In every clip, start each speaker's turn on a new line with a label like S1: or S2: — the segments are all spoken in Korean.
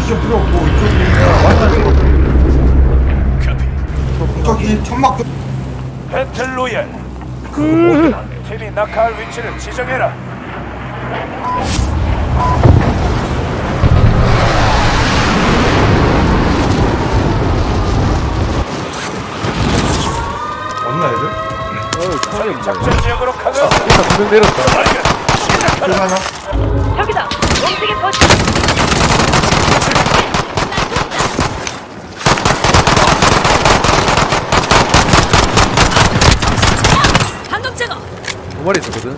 S1: 미션 필요 없고 이쪽이 저기 천막
S2: 배틀로얄. 팀이 낙하할 위치를 지정해라.
S1: 없나 애들?
S2: 저희 작전 지역으로 가면
S3: 두명 내렸다.
S1: 하나
S4: 저기다. 움직임 거치. 반동 제거.
S3: 두 마리 있었거든.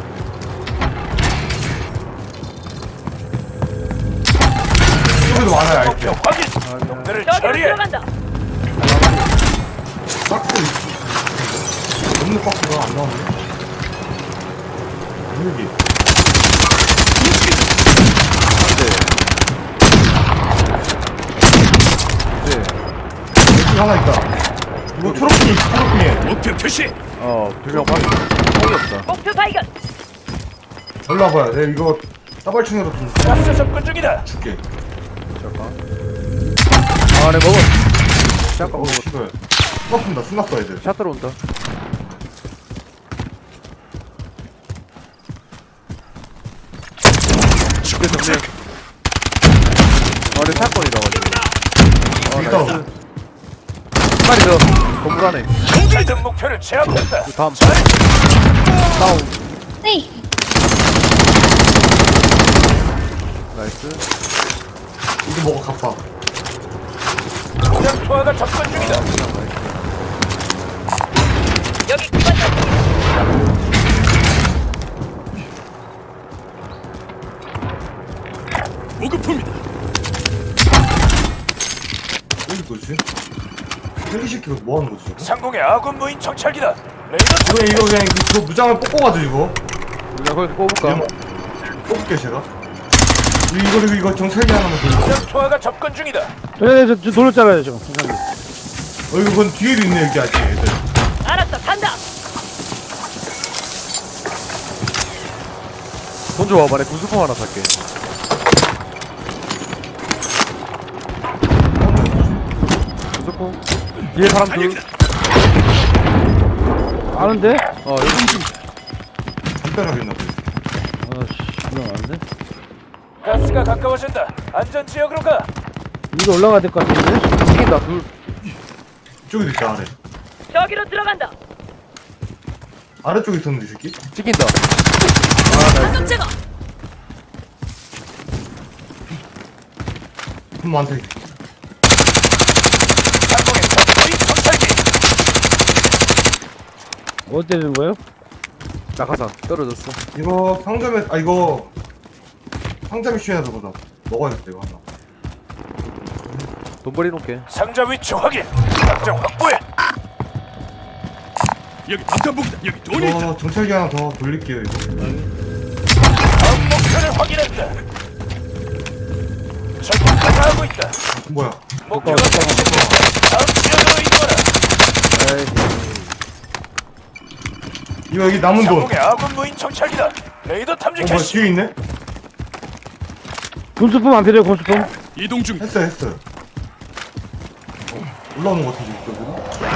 S1: 여기도 많아요 아이템
S2: 목표 확인. 놈들을
S4: 저기로
S2: 처리해.
S4: 들어간다.
S1: 박스 없는 박스가 안 나오네 여기
S3: 네.
S1: 여기 하나 있다 이거 초록핑에
S2: 목표 표시.
S3: 두명 봤어. 총이 없다.
S4: 목표 발견.
S1: 올라와봐요 내가 이거 따발충으로 좀
S2: 가스 접근 중이다.
S1: 줄게
S3: 잠깐. 네 먹어. 잠깐 먹어.
S1: 씨발 숨었습니다 숨었어 애들
S3: 샷 들어온다. 죽게 정리. 내 사건이라 가지고.
S1: 여기다
S3: 나이스. 한 마리 더. 건물 안에.
S2: 모든 목표를 제압했다.
S3: 다음. 다운.
S4: 네.
S3: 나이스.
S1: 이거 먹어 갚아
S2: 공장 투하가 접근 중이다.
S4: 여기 기관차.
S2: 보급품이다.
S1: 여기 뭐지? 헬기시키고 뭐하는 거지 저거?
S2: 상공의 아군 무인 정찰기다. 레이더
S1: 이거 그냥 그거 무장을 뽑고가지고 이거
S3: 우리가 거기서 뽑을까?
S1: 뽑을게 제가 이거 정찰기 하나만 돌려
S2: 공장 투하가 접근 중이다.
S5: 네, 저 돌렸잖아요, 저. 감사합니다.
S1: 이거 그건 뒤에도 있네 여기 아직 애들
S4: 알았어. 간다.
S3: 돈 줘봐. 내 구수품 하나 살게. 구수품. 뒤에 사람 둘.
S5: 아는데?
S3: 여기.
S1: 담벼락이나 보지
S5: 아씨, 이거 아는데?
S2: 가스가 가까워진다. 안전 지역으로 가.
S5: 위로 올라가야 될 것 같은데?
S3: 튀긴다. 둘.
S1: 이쪽에도 있다 아래
S4: 저기로 들어간다.
S1: 아래쪽에 있었는데 이 새끼
S3: 찍힌다.
S4: 반동 제거.
S1: 돈 많다 이
S2: 상공의 적무인 정찰기.
S5: 어디 되는 거예요?
S3: 낙하산 떨어졌어.
S1: 이거 상점에 이거 상점 미션에서 보다 먹어야겠다 이거 하나
S3: 돈 버리 놓게.
S2: 상자 위치 확인. 당장 확보해. 여기 방탄복이다. 여기 돈이 있다.
S1: 이거 정찰기 하나 더 돌릴게요 이거
S2: 다음 목표를 확인했다. 적이 가다하고 있다.
S1: 뭐야
S2: 목표가 적시됐다. 다음 지역으로 이동하라.
S3: 에이.
S1: 이거 여기 남은 돈
S2: 상공의 아군 무인 정찰기다. 레이더 탐지
S1: 뭐야
S2: 캐시.
S1: 뒤에 있네?
S5: 군수품 안 필요해요, 군수품.
S2: 이동 중.
S1: 했어요 올라오는 거 같은데 이쪽으로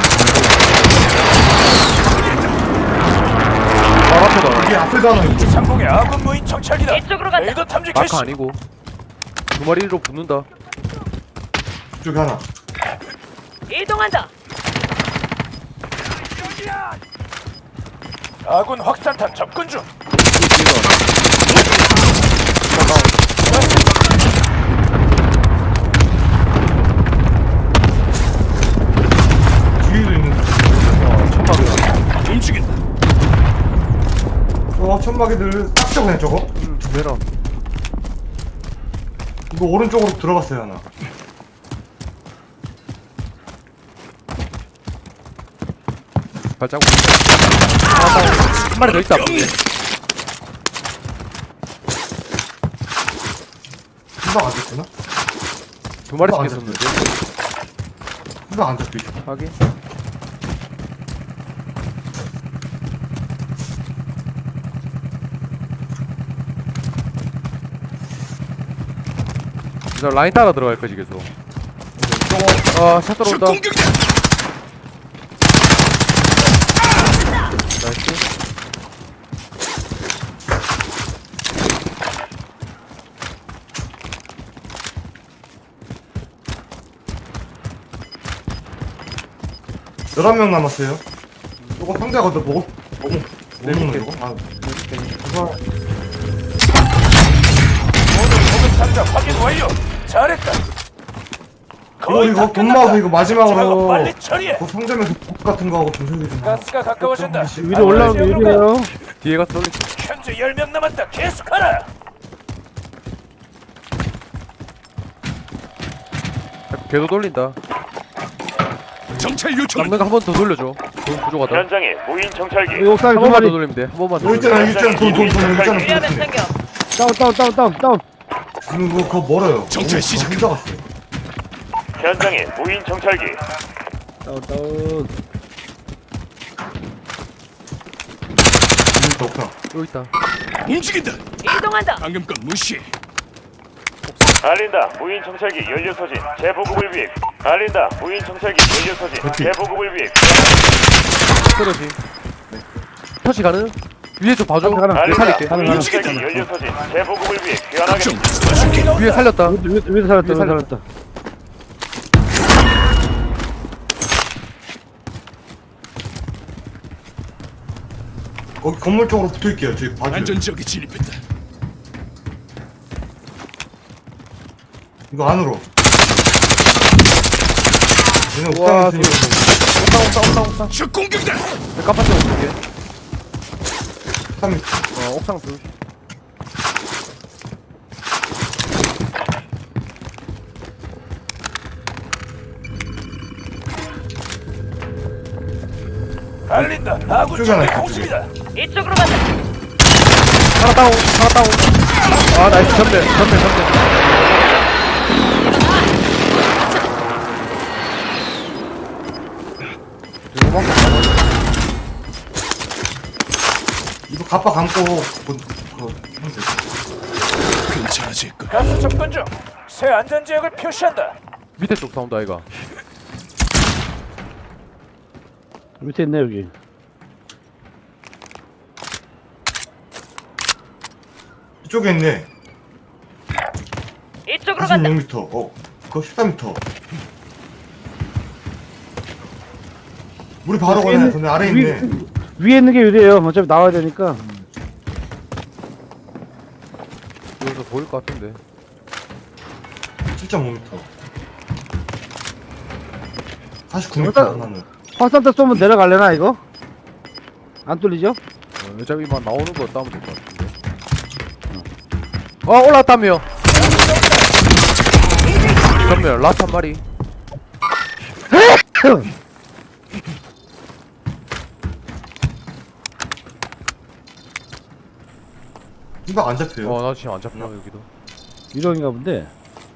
S3: 바로 앞에다.
S1: 이게 앞에도 하나 있고
S2: 상공의 아군 무인 정찰기다.
S4: 이쪽으로 간다.
S2: 레이더 탐지 캐시.
S3: 마카 아니고. 두 마리로 붙는다.
S1: 이쪽에 하나
S4: 이동한다.
S2: 아군 확산탄 접근 중.
S1: 뒤에도 있는
S3: 천막이야.
S2: 움직인다.
S1: 천막이들 딱 그냥 저거
S3: 두 배랑.
S1: 이거 오른쪽으로 들어갔어요 하나
S3: 발자국. 한 마리 더 있다.
S1: 금방 안 됐구나
S3: 두 마리
S1: 안
S3: 찍혔었는데.
S1: 금방 안 잡혀
S3: 확인. 나 라인 따라 들어갈 거지 계속. 샷 들어온다. 나이스.
S1: (11명) 남았어요. 이거 상대가 너 먹을 먹는
S3: 개.
S1: 거? 아,
S2: 모든 보급 상자 확인 완료. 잘했다.
S1: 이거 돈 모아서 이거
S2: 작업
S1: 마지막으로
S2: 빨리 처리해.
S1: 그 상점에서 복 같은 거 하고 전소리 좀 하고.
S2: 가스가 가까워진다.
S5: 위로 올라오면 유리해요.
S3: 뒤에 가서 돌리.
S2: 현재 10명 남았다. 계속하라.
S3: 걔도 돌린다.
S6: 정찰 요청.
S3: 남는 거 한 번 더 돌려줘. 돈 부족하다.
S2: 현장에 무인 정찰기.
S5: 여기 옥상에
S3: 한
S5: 두
S3: 번만
S5: 마리.
S3: 더 돌리면 돼. 한 번만 더.
S1: 여기 있잖아 여기 있잖아 돈 여기 있잖아
S4: 유리하면
S1: 그렇지.
S4: 챙겨.
S5: 다운.
S1: 그거 멀어요.
S6: 정찰
S1: 너무
S6: 시작.
S1: 혼자 갔어요.
S2: 현장에 무인 정찰기.
S5: 다운.
S1: 진짜 없다.
S3: 여기 있다.
S6: 움직인다.
S4: 이동한다.
S6: 방금 건 무시.
S2: 알린다. 무인 정찰기 연료 소진. 재보급을 위해. 알린다. 무인 정찰기 연료 소진.
S1: 그렇지.
S2: 재보급을 위해.
S3: 떨어지. 터치 가능? 위에 좀 봐줘.
S5: 가능.
S3: 내가
S2: 알린다.
S3: 살릴게.
S2: 무인
S6: 움직인다.
S2: 정찰기 연료 소진. 재보급을 위해 귀환하게.
S6: 좀 도와줄게.
S3: 위에 살렸다.
S5: 위에서 살았다.
S1: 거기 건물 쪽으로 붙어있게요. 저기 봐줘요.
S6: 안전 지역에 진입했다.
S1: 이거 안으로. 얘네
S3: 와,
S1: 옥상에 있으니까
S3: 옥상.
S6: 적 공격다.
S3: 내가 깜빡 올게.
S1: 옥상에
S3: 옥상 둘.
S2: 알린다. 아군
S1: 이쪽에 하나
S2: 적대
S1: 있어,
S2: 공습이다.
S4: 이쪽으로 간다.
S3: 하나 다운. 아, 나이스. 전멸.
S1: 이거 갑바 감고 그거 하면 돼.
S6: 괜찮아질 거.
S2: 가스 접근 중. 새 안전 지역을 표시한다.
S3: 밑에 쪽 사운드 아이가.
S5: 밑에 있네 여기.
S1: 이쪽에 있네.
S4: 이쪽으로 간다.
S1: 46m. 그거 14m. 우리 바로 가네. 근데 아래 있네.
S5: 위에 있는 게 유리해요. 어차피 나와야 되니까.
S3: 여기서 보일 것 같은데.
S1: 7.5m. 49m
S5: 일단-
S1: 하나는.
S5: 화산대 쏘면 내려갈래나 이거? 안 뚫리죠?
S3: 어차피만 나오는 거 따면 될 것 같은데. 올라왔다며. 전멸. 라스 한 마리.
S1: 이거 안 잡혀요.
S3: 나 지금 안 잡혀 여기도.
S5: 유령인가 본데.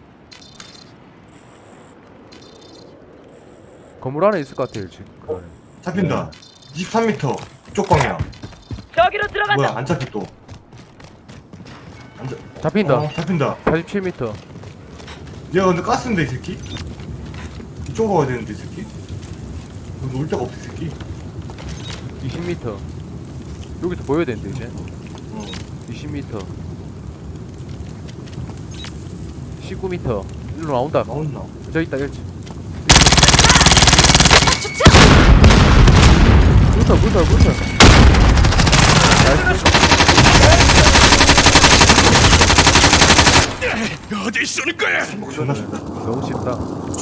S3: 건물 안에 있을 것 같아 지금.
S1: 잡힌다. 23m. 이쪽 방향.
S4: 저기로 들어간다.
S1: 뭐야 안 잡혀 또. 안 잡.
S3: 잡힌다.
S1: 잡힌다.
S3: 47m.
S1: 얘가 근데 가스인데 이 새끼? 이쪽으로 가야 되는데 이 새끼? 여기 놀 데가 없어 이 새끼.
S3: 20m. 여기서 보여야 되는데 이제.
S1: 어.
S3: 20m. 19m. 일로 나온다.
S1: 나온나?
S3: 저기 있다 1층. 물터.
S6: 어디 쏘는 거야?
S1: 존나 쉽다.
S3: 너무 쉽다.